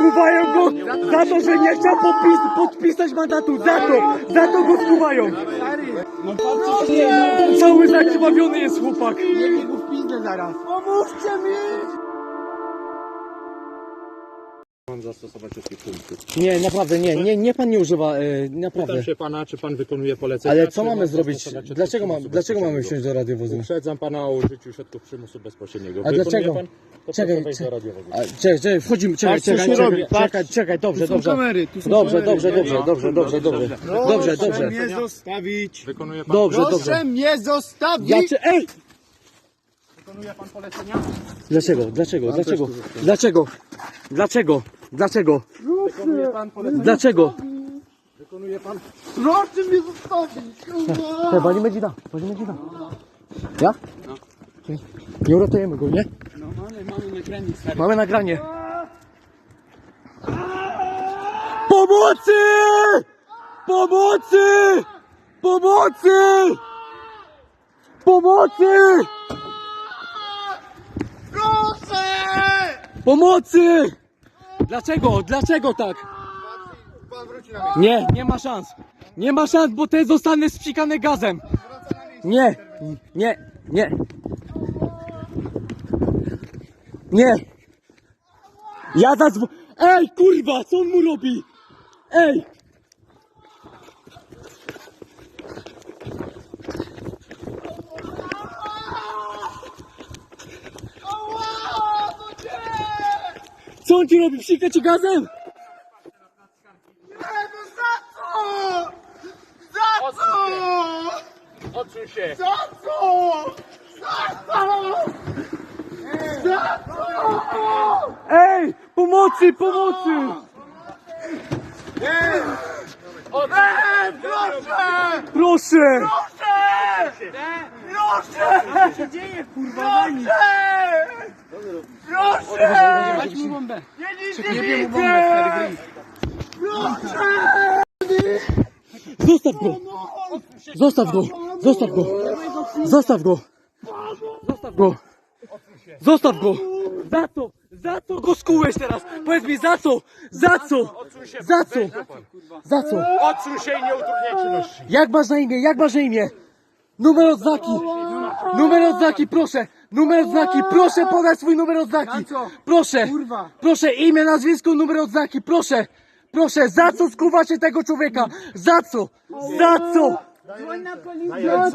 skuwają go za to, że nie chciał podpisać mandatu. Za to go skuwają. No patrzcie, Cały zakrwawiony jest chłopak. nie go w pizdę zaraz. Pomóżcie mi! Mam zastosować wszystkich punktów. Nie, naprawdę, nie pan nie używa, naprawdę. Pytam się pana, czy pan wykonuje polecenia. Ale co czy mamy mam zrobić? zastosować środki Dlaczego przymusu mamy bezpośredniego? wsiąść do radiowozu? Uprzedzam pana o użyciu środków przymusu bezpośredniego. A dlaczego? Pan? To Czekaj, proszę wejść do radiowozu. Czekaj, wchodzimy, czekaj, Patrz, co się robi, patrz. czekaj, dobrze. kamery, tu są Dobrze. Proszę mnie zostawić. Wykonuje pan Dobrze. Proszę mnie zostawić. Ej! Wykonuje pan polecenia? Dlaczego? Wykonuje pan polecenia? Dlaczego? Wykonuje pan? Proszę mnie zostawić. Walimy dzida. Ja? No. Nie uratujemy go, nie? No mamy nagranie, stary. Mamy nagranie. Pomocy! Pomocy! Pomocy! Pomocy! Proszę! Pomocy! Dlaczego tak? Pan wróci na miejsce. Nie ma szans. Nie ma szans, bo te zostanę spsikane gazem. Nie. Ja zadzwonię. Ej, kurwa, co on mu robi? Ej! Co on ci robi? Psika ci gazem? Za co? Odsuń się! Za co? Ej! Pomocy! Proszę! Proszę! Co się dzieje, kurwa? Proszę! Dać mu bombę. Nie wiem mu bombę, stary, Zostaw go! Za co go skułeś teraz? Powiedz mi, za co? Za co? Odsuń się i nie utrudniaj czynności. Jak masz na imię? Numer odznaki, proszę! Proszę podać swój numer odznaki! Za co? Proszę! Kurwa. Proszę, imię, nazwisko, numer odznaki, proszę! Za co skuwacie tego człowieka? Za co? Dzwoń na policję.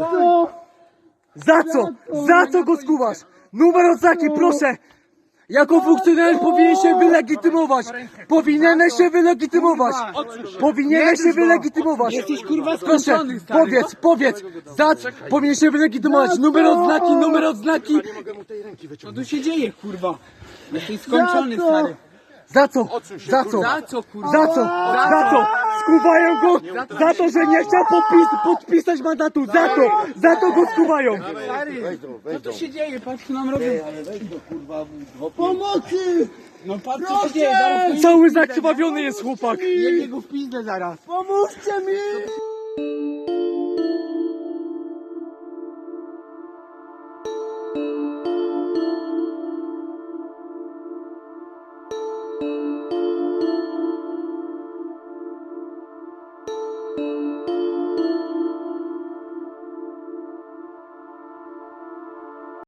Za co go skuwasz? Numer odznaki, proszę! Jako funkcjonariusz powinieneś się wylegitymować! Jesteś kurwa Proszę, skończony, stary. powiedz, powinien się wylegitymować, numer odznaki, Nie mogę mu tej ręki Co wyciągnąć. tu się dzieje, kurwa? Jesteś skończony, stary. za co? Za co, kurwa? Skuwają go za to, że nie chciał podpisać mandatu, za to go skuwają. Stary, co tu się dzieje? Patrz, co nam robią. Pomocy! No patrz, co się dzieje. Zaraz Cały zakrwawiony jest chłopak. jebie go w pizdę zaraz. Pomóżcie mi!